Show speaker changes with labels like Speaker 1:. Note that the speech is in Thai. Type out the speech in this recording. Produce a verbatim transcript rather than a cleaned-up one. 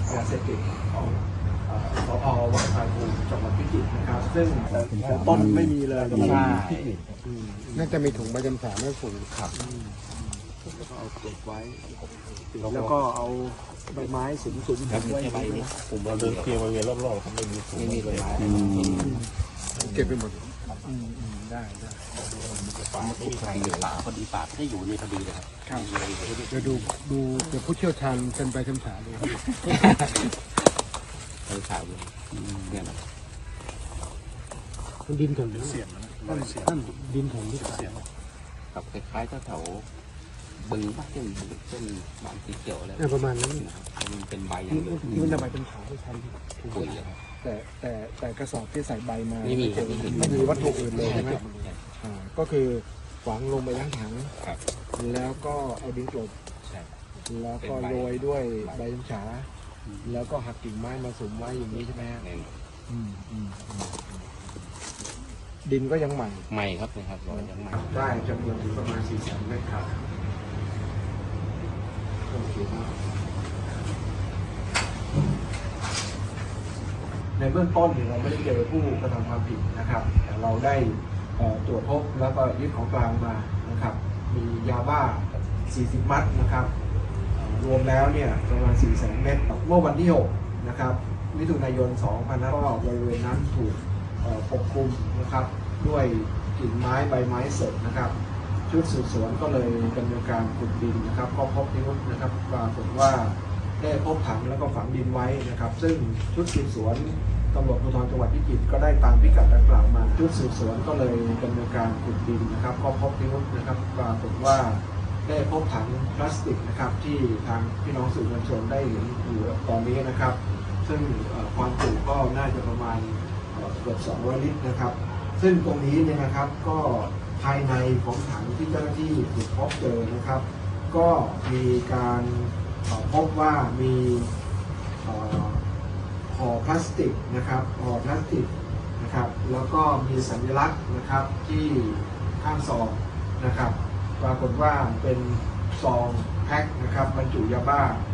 Speaker 1: ยาเสพติดของสพวังพายภูมิจังหวัดพิจิตรนะครับซึ่งต้นไม่มีเลยใช่
Speaker 2: น่าจะมีถุงใบจำสาไม่ฝูง
Speaker 1: ครับแล้วก็เอาเก็บไว้แล้วก็เอาใบไม้สุมสุมไว้ใบนี้
Speaker 3: ผมมาเดินเที่ยวบริเวณรอบๆเขาไม่มีถุงไม่มีใบไม้
Speaker 2: เก็บไปหมด
Speaker 1: ได้ได้
Speaker 3: ป่าไม่มีใครเลยป่าพอดีป่าไม่ได้อยู่ในพอดีเลยครับ
Speaker 2: เดี๋ยวดูดูเดี๋ยวผู้เชี่ยวชาญเซ็นใบจำสาดู
Speaker 3: ไปขาวเลยเนี่ยนะ
Speaker 2: มันดินถม
Speaker 1: เสียงนะ
Speaker 2: ท่านดินถมที่เสียง
Speaker 3: กับคล้ายๆแถวบึงบ้านเช่นเช่นบางสีเขียวอะไร
Speaker 2: ประมาณนั้น
Speaker 3: มันเป็นใบอย่างนี้
Speaker 2: ที่มันจะใบเป็นขาวไม่ใช่
Speaker 3: ปุ๋ยเลยครับ
Speaker 2: แต่แต่แต่กระสอบที่ใส่ใบมา
Speaker 3: ไม่มี
Speaker 2: ไม่มีวัตถุอื่นเลยใช่ไหมอ่าก็คือฝังลงไปทั้งถังแล้วก็เอาดินกลบแล้วก็โรยด้วยใบจำฉาแล้วก็หักกิ่งไม้มาสุมไว้อย่างนี้ใช่ไหมฮะดินก็ยังใหม่
Speaker 3: ใหม่ครับนะครับยังใหม่
Speaker 1: ได้จำนวนถึงประมาณสี่แสนเมตรครับโอเคในเบื้องต้นเราไม่ได้เจอผู้กระทำความผิดนะครับแต่เราได้ตรวจพบแล้วก็ยึดของกลางมานะครับมียาบ้าสี่สิบมัดนะครับรวมแล้วเนี่ยประมาณสี่แสนเมตรเมื่อวันที่หกนะครับมิถุนายนสองพันห้าร้อยบริเวณนั้นถูกปกคลุมนะครับด้วยกิ่งไม้ใบไม้สดนะครับชุดสืบสวนก็เลยดำเนินการขุดดินนะครับก็พบพิรุธนะครับปรากฏว่าได้พบถังแล้วก็ฝังดินไว้นะครับซึ่งชุดสืบสวนตำรวจภูธรจังหวัดพิจิตรก็ได้ตามพิกัดดังกล่าวมาชุดสืบสวนก็เลยดำเนินการขุดดินนะครับก็พบพิรุธนะครับปรากฏว่าได้พบถังพลาสติกนะครับที่ทางพี่น้องสื่อมวลชนได้เห็นอยู่ตอนนี้นะครับซึ่งความจุก็น่าจะประมาณเกือบสองร้อยลิตรนะครับซึ่งตรงนี้เนี่ยนะครับก็ภายในของถังที่เจ้าหน้าที่ถูกพบเจอนะครับก็มีการพบว่ามีห่อพลาสติกนะครับห่อพลาสติกนะครับแล้วก็มีสัญลักษณ์นะครับที่ข้างซองนะครับปรากฏว่าเป็นซองแพ็คนะครับบรรจุยาบ้า